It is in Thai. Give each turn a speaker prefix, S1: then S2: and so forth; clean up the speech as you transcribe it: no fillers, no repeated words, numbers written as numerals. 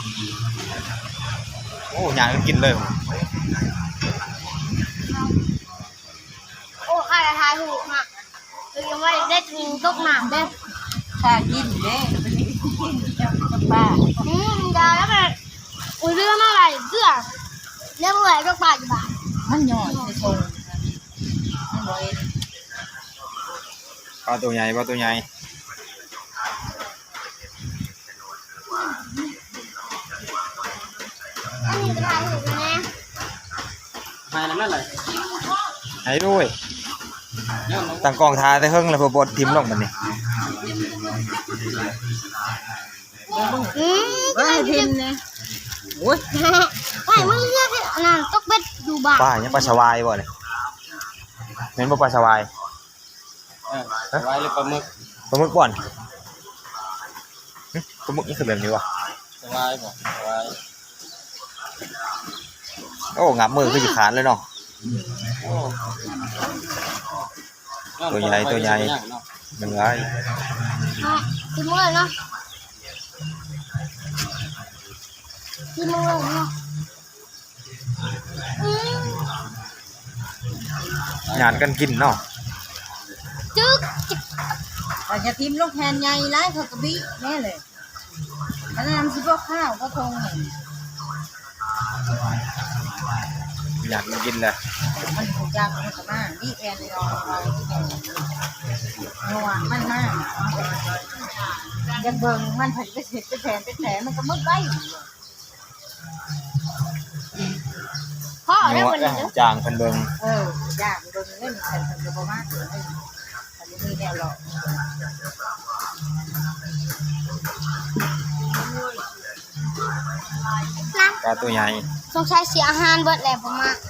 S1: โอ้ยางกินเลย
S2: โอ้ข้าจะทายถูกนะคือยังว่าได้กินตกหนามเด้
S3: ข้ากินเด้มันกินกับป้า
S2: ดาวแล้วแบบอุ้ยเรื่องอะไรเสื้อเรื่องอะไรก็บาทบาท
S3: มันหย่อนไปชงมันบ่เอ็น
S1: ปลาตัวใหญ่ปลาตัวใหญ่
S2: อันนี้จะทายถูกนะ
S4: หายนั่นแหละ
S1: ให้ด้วยตั้งกองทาแต่เฮิงแล้วพอบดทิมลงมันนี่
S3: ว่าให้พิมพ์นะโอ้ย
S2: ไม่มึงเรียกให้อันนั้นตกเบ็ดดูบาท
S1: ปลายังปลาสวายบ่เนี่ยเห็นบ่ปลาสวาย
S4: ไว้เลยปลาหมึก
S1: ปลาหมึกบ่อนปลาหมึกนี่คือแบบนี้วะ
S4: สบายบ่สบาย
S1: โอ้งับมือคือสิขาดเลยเนาะตัวใหญ่ตัวใหญ่หนึ่งไอ้
S2: กินมือเนาะกินมือเนาะ
S1: งานกันกินเนาะ
S2: จึ๊กจิก
S3: แต่จะทิมลูกแทนใหญ่ไล่เขากระบี่แน่เลยอันนั้นสิพวกข้าวก็ทงเนี่ย
S1: งานกันกินเลย
S3: มันถูกยากมันก็มากนี่แทนเลยเราที่แทนนัวมันมากยังเบิ่งมันผัดไปเสร็จไปแทนไปแทนมันก็มืดไว้
S2: พ่อได้วันนี้
S1: จางพันเบิง
S3: ยากเบิ่งเล่นแทนมันก็บ่มากเลยอันนี้มีแนวหรอก
S1: ปลาตัวใหญ่
S2: สงสัยเสียอาหารเบิดแหละผมมา